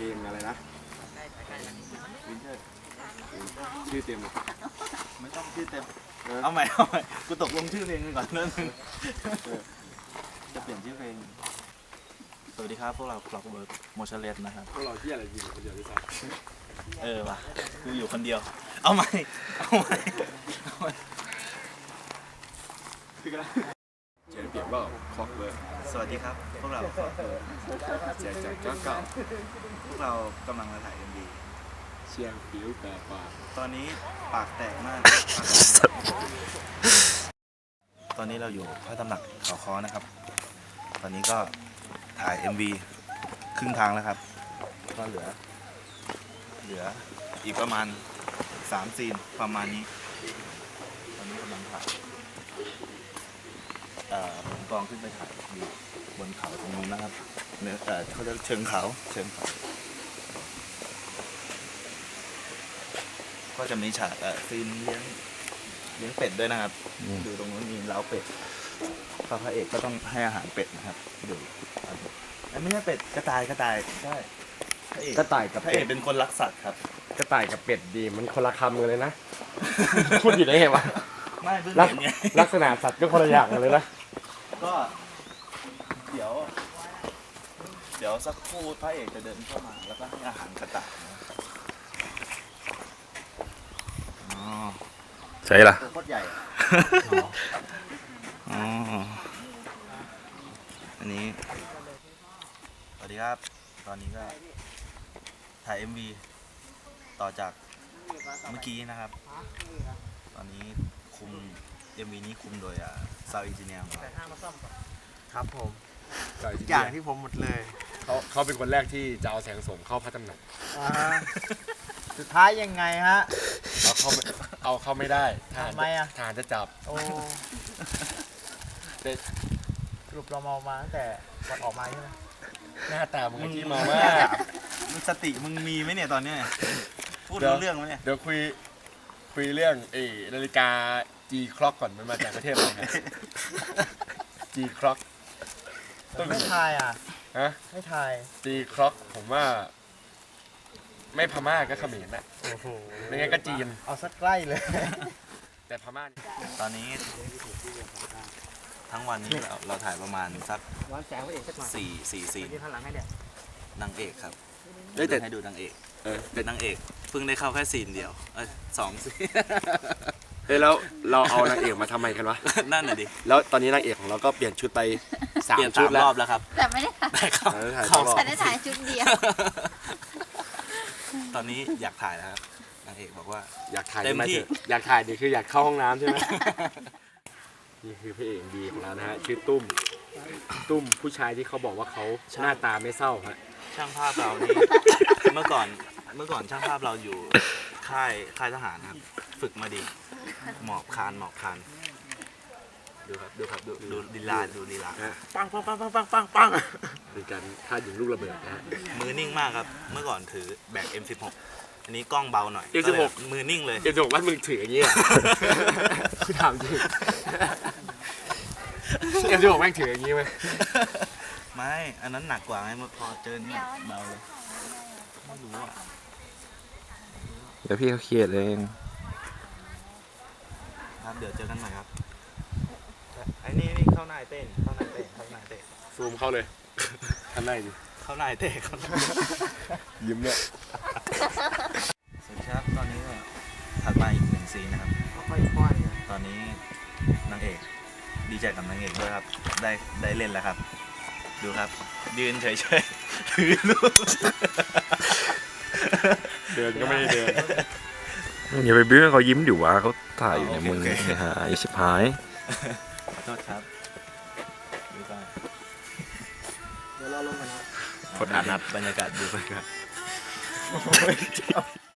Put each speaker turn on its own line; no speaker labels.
ลงอะไรนะวินเทอร์ชื่อเต็มเลย
ไม่ต้องชื่อเต็มเอาใหม่กูตกลงชื่อเพลงกันก่อนเรื่องนึงจะเปลี่ยนชื่อเพลงสวัสดีครับพวกเราคล็อกเวิร์กโมชั่นเลสนะครับ
พวกเราที่อะไรอยู่คนเดียวด้วยซ้
ำว่ะกูอยู่คนเดียวเอาใหม่
คือกันเขียนเปลี่ยนว่าคล็อกเวิร์ก
สวัสดีครับพวกเราคล็อกเวิร์ก
แจกจากเก่า
พวกเรากำลังมาถ่าย MV
เชียงผิวแปรปาก
ตอนนี้ปากแตกมากตอนนี้เราอยู่พระตำหนักเขาค้อนะครับตอนนี้ก็ถ่าย MV ครึ่งทางแล้วครับก็เหลืออีกประมาณ3 ซีนประมาณนี้ตอนนี้กำลังถ่ายผมกองขึ้นไปถ่ายอยู่บนเขาตรงนู้นนะครับเขาจะเชิงเขาก็จะมีฉากซีนเลี้ยงเป็ดด้วยนะครับดูตรงนู้นมีเล้าเป็ดพระเอกก็ต้องให้อาหารเป็ดนะครับดูไม่ใช่เป็ดกระต่ายใช่
กระต่ายกับ
พระเอกเป็นคนรักสัตว์ครับ
กระต่ายกับเป็ดดีมันคนละคำกันเลยนะพูดผิดได้ไงวะ
ไม่เพิ่งเห็นไง
ลักษณะสัตว์ก็คนละอย่างกันเลยนะ
ก็เดี๋ยวสักครู่พระเอกจะเดินเข้ามาแล้วก็ให้อาหารกระต่าย
ใช่ล่ะ
ตัวโคตรใหญ่อันนี้สวัสดีครับตอนนี้ก็ถ่าย MV ต่อจากเมื่อกี้นะครับตอนนี้คุม MV นี้คุมโดยSound Engineer
ครับผมอย่างที่ผมหมดเลย
เขาเป็นคนแรกที่จะเอาแสงส่งเข้าพระตำหนัก
สุดท้ายยังไงฮะ
เอาเข้าไม่ได้
ทำไม
ทหารจะจับ
โอ้สรุปเราเมามาตั้งแต่วันออกมาใช่ไหม
หน้าตามึงที่เมามาก
มึงสติมึงมีไหมเนี่ยตอนนี้พูดเรื่องไหมเนี่ย
เดี๋ยวคุยเรื่องนาฬิกา G Clock ก่อนมันมาจากประเทศอะไรครับ G Clock
ไม่ทาย
ฮะ
ไม่ทาย
G Clock ผมว่าไม่พม่าก็เขมรนะ
โอ้โห
ไม่งั้นก็จีน
เอาสักใกล้เลย
แต่พม่า
ตอนนี้ทั้งวันนี้เราถ่ายประมาณสัก4 ซีนนางเอกครับให้ดูนางเอกเป็นนางเอกเพิ่งได้เข้าแค่ซีนเดียว2 ซีน
แล้วเราเอานางเอกมาทำไมกันวะ
นั่นน่ะดิ
แล้วตอนนี้นางเอกของเราก็เปลี่ยนชุดไป
3 ชุดรอบแล้วครับ
แต่ไม่ได้ถ่ายชุดเดียว
ตอนนี้อยากถ่ายแล้วครับนางเอกบอกว่า
อยากถ่ายเต็มที่อยากถ่ายนี่คืออยากเข้าห้องน้ำใช่ไหมนี่คือพระเอกดีของเรานะฮะชื่อตุ้มผู้ชายที่เขาบอกว่าเขาหน้าตาไม่เศร้าฮะ
ช่างภาพเรานี่เมื่อก่อนช่างภาพเราอยู่ค่ายทหารครับฝึกมาดีหมอบคานดูครับดูลีลา
ปังเป็นการท่ายิงลูกระเบิดนะฮะ
มือนิ่งมากครับเมื่อก่อนถือแบก M16 อันนี้กล้องเบาหน่อย
M16
มือนิ่งเลย
M16 ว่ามึงถืออย่างนี้อ่ะคือถามจริง M16 แม่งถืออย่างนี้ไหม
ไม่อันนั้นหนักกว่าไงพอเจอเนี่ยเบาเลยไม่รู้อ่ะ
เดี๋ยวพี่เขาเครียดเอง
ครับเดี๋ยวเจอกันใหม่ครับไอ้นี่เข้าหน้าเต้น
ซูมเข้าเลยข้างในดิ
เข้าหน้าเต้น
ยิ้มเนี่ย
สวัสดีครับตอนนี้ก็ถัดมาอีก1 ซีนนะครับตอนนี้นางเอกดีใจกับนางเอกด้วยครับได้เล่นแล้วครับดูครับยืนเฉยๆถือลูก
เดินก็ไม่ได้เดิน
อย่าไปบิ้วเขายิ้มอยู่วะเขาถ่ายอยู่ในมือหาชิบหาย
ขอโทษครับดูไป
เดี๋ยวเราลงกันนะ
กดอัดบรรยากาศดูไปครับ